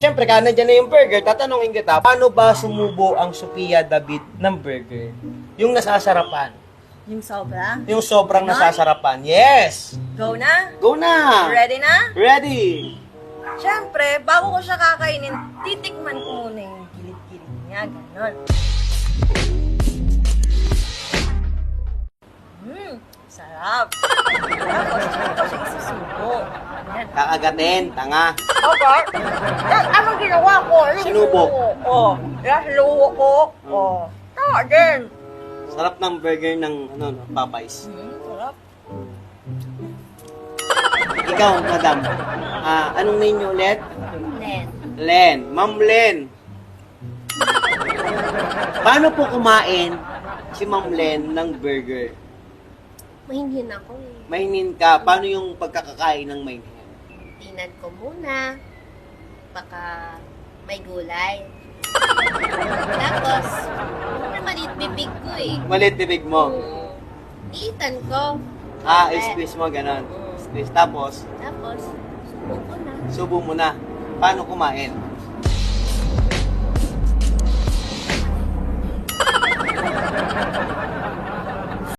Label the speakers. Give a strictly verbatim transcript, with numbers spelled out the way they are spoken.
Speaker 1: Siyempre, kaya nandiyan na yung burger, tatanungin kita, paano ba sumubo ang Sophia David ng burger? Yung nasasarapan.
Speaker 2: Yung sobra.
Speaker 1: Yung sobrang
Speaker 2: Ganon?
Speaker 1: nasasarapan. Yes!
Speaker 2: Go na?
Speaker 1: Go na!
Speaker 2: Ready na?
Speaker 1: Ready!
Speaker 2: Siyempre, bago ko siya kakainin, titikman ko muna yung gilid-gilid niya. Ganon. Hmm, sarap. Tapos, saan ko siya isusubo? Ayan.
Speaker 1: Kakagatin, tanga.
Speaker 2: Okay. Yan, anong ginawa ko? Yung
Speaker 1: Sinubo.
Speaker 2: ko. Oh, yan, sinubo ko. Oh. Tama din.
Speaker 1: Sarap ng burger ng ano, no, Popeyes.
Speaker 2: Hmm, sarap.
Speaker 1: Ikaw, madam, ah, anong name niyo ulit?
Speaker 2: Nen.
Speaker 1: Len. Ma'am Len. Paano po kumain si Ma'am Len ng burger?
Speaker 3: Mahinhin ako eh.
Speaker 1: Mahinin ka. Paano yung pagkakakain ng mahinin?
Speaker 3: Tinan ko muna. Baka may gulay. Tapos, ano maliit bibig ko eh.
Speaker 1: Malit bibig mo.
Speaker 3: Hmm. Iitan ko.
Speaker 1: Ah,
Speaker 3: Eh,
Speaker 1: squeeze mo, ganon. Squeeze. Tapos,
Speaker 3: Tapos, subo ko na.
Speaker 1: subo mo na. Paano kumain?